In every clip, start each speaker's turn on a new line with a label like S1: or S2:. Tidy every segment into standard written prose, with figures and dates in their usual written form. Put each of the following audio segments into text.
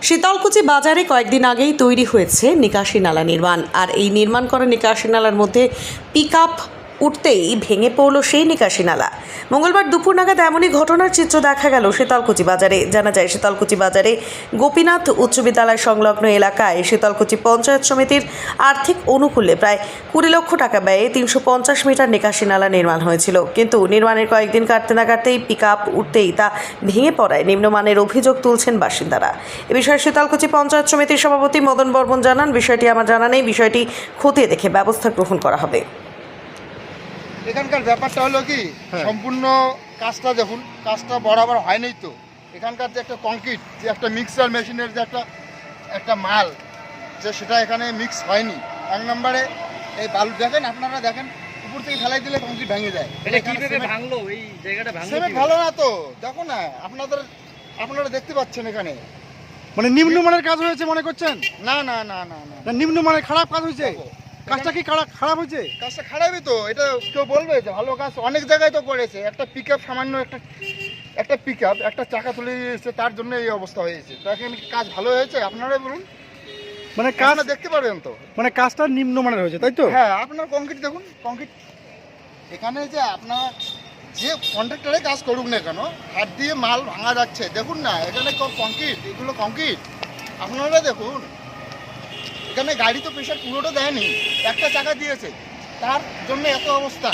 S1: শীতলকুচি বাজারে কয়েকদিন আগেই তৈরি হয়েছে নিকাশি নালা নির্মাণ। আর এই নির্মাণ করা নিকাশি নালার মধ্যে পিকআপ উঠতেই ভেঙে পড়ল সেই নিকাশি নালা। মঙ্গলবার দুপুর নাগাদ এমনই ঘটনার চিত্র দেখা গেল শীতলকুচি বাজারে। জানা যায়, শীতলকুচি বাজারে গোপীনাথ উচ্চ বিদ্যালয় সংলগ্ন এলাকায় শীতলকুচি পঞ্চায়েত সমিতির আর্থিক অনুকূলে প্রায় 20 লক্ষ টাকা ব্যয়ে 350 মিটার নিকাশি নালা নির্মাণ হয়েছিল। কিন্তু নির্মাণের কয়েকদিন কাটতে না কাটতেই পিকআপ উঠতেই তা ভেঙে পড়ায় নিম্নমানের অভিযোগ তুলছেন বাসিন্দারা। এ বিষয়ে শীতলকুচি পঞ্চায়েত সমিতির সভাপতি মদন বর্মন জানান, বিষয়টি আমার জানা নেই, বিষয়টি খতিয়ে দেখে ব্যবস্থা গ্রহণ করা হবে।
S2: এখানকার ব্যাপারটা হলো কি, সম্পূর্ণ কাজটা দেখুন, কাজটা বরাবর হয়নি তো। এখানকার যে একটা কংক্রিট, যে একটা মিক্সার মেশিনের যে একটা মাল, যে সেটা এখানে মিক্স হয়নি। এক নম্বরে এই বালু দেখেন, আপনারা দেখেন, উপর থেকে ফেলাই দিলে কংক্রিট ভেঙে যায়।
S3: এটা কিভাবে ভাঙলো? এই জায়গাটা ভাঙলো
S2: সিমেন্ট ভালো না তো, দেখো না, আপনারা দেখতে পাচ্ছেন এখানে।
S4: মানে নিম্নমানের কাজ হয়েছে মনে করছেন?
S2: না না না না না,
S4: নিম্নমানের খারাপ কাজ হয়েছে। কাজটা কি খারাপ হয়েছে?
S2: কাজটা খারাপই তো, এটা কেউ বলবে যে ভালো কাজ? অনেক জায়গায় তো করেছে। একটা পিকআপ, সামান্য একটা পিকআপ একটা চাকা তুলে দিয়েছে, তার জন্য এই অবস্থা হয়েছে। তো এখানে কাজ ভালো হয়েছে? আপনারাই বলুন।
S4: মানে কাজ
S2: দেখতে পারবেন তো,
S4: মানে কাজটা নিম্নমানের হয়েছে, তাই তো?
S2: হ্যাঁ, আপনার কংক্রিট দেখুন, কংক্রিট এখানে যে আপনার যে কন্ট্রাক্টরে কাজ করুক না কেন, হাত দিয়ে মাল ভাঙা যাচ্ছে। দেখুন না, এখানে কংক্রিট, এগুলো কংক্রিট, আপনারা দেখুন। এখানে গাড়ি তো প্রেশার পুরোটা দেয়নি, একটা চাকা দিয়েছে, তার জন্য এত অবস্থা।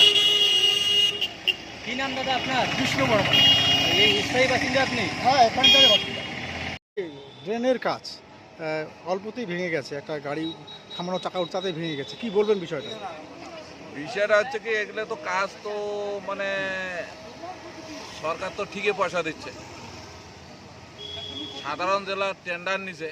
S3: কি নাম দাদা আপনার?
S2: কৃষ্ণ বর্মন।
S3: এই স্থায়ী বাসিন্দা আপনি?
S2: হ্যাঁ, এখানকার বাসিন্দা।
S4: ড্রেনের কাজ অল্পতেই ভেঙে গেছে, একটা গাড়ি থামানো চাকা উঠতাতেই ভেঙে গেছে, কি বলবেন বিষয়টা?
S5: বিষয়টা হচ্ছে কি, এগুলো তো কাজ তো মানে সরকার তো ঠিকই পয়সা দিচ্ছে। সাধারণ জেলা টেন্ডার নিছে,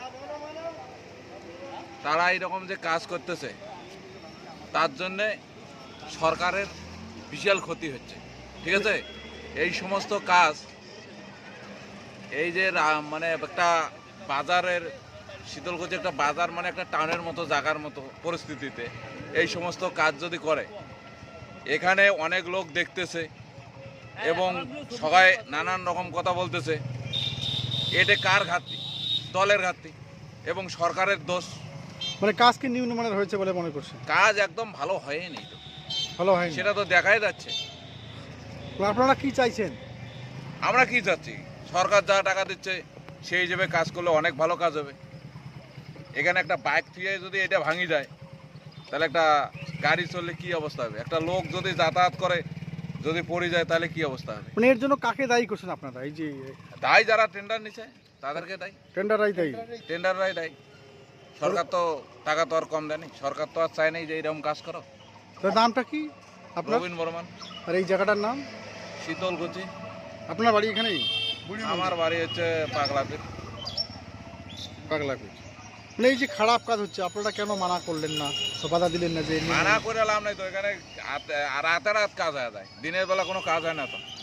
S5: তারা এইরকম যে কাজ করতেছে, তার জন্যে সরকারের বিশাল ক্ষতি হচ্ছে। ঠিক আছে, এই সমস্ত কাজ, এই যে মানে একটা বাজারের, শীতলকুচি একটা বাজার মানে একটা টাউনের মতো জায়গার মতো পরিস্থিতিতে এই সমস্ত কাজ যদি করে, এখানে অনেক লোক দেখতেছে এবং সবাই নানান রকম কথা বলতেছে। এটা কার ঘাটতি? দলের ঘাটতি এবং সরকারের দোষ।
S4: মানে কাজ কি নিম্নমানের হয়েছে বলে মনে করছেন?
S5: কাজ একদম ভালো হয়নি তো,
S4: ভালো হয়নি,
S5: সেটা তো দেখাই যাচ্ছে।
S4: আপনারা কি চাইছেন?
S5: আমরা কি চাচ্ছি, সরকার যা টাকা দিচ্ছে সেই হিসেবে কাজ করলে অনেক ভালো কাজ হবে। এখানে একটা বাইক থেকে যদি এটা ভাঙি যায়, তাহলে একটা গাড়ি চললে কি অবস্থা হবে? একটা লোক যদি যাতায়াত করে যদি পড়ে যায়, তাহলে কি অবস্থা হবে?
S4: মানে এর জন্য কাকে দায়ী করছেন আপনারা? এই যে
S5: দায়ী যারা টেন্ডার নিছে তাদেরকে দায়ী,
S4: টেন্ডাররাই দায়ী,
S5: টেন্ডাররাই দায়ী। সরকার তো টাকা তো আর কম দেয়নি, সরকার তো আর চায় নাই যে এইরকম কাজ করো।
S4: তো নামটা কি আপনার?
S5: রবীন বর্মন।
S4: আর এই জায়গাটার নাম?
S5: শীতলকুচি।
S4: আপনার বাড়ি এখানেই?
S5: আমার বাড়ি হচ্ছে পাগলাপীর।
S4: পাগলাকুচ। মানে এই যে খারাপ কাজ হচ্ছে, আপনারা কেন মানা করলেন না, বাধা দিলেন না? যে
S5: মানা করে লাভ নাই তো, এখানে রাতে রাত কাজ হয়ে যায়, দিনের বেলা কোনো কাজ হয় না তো।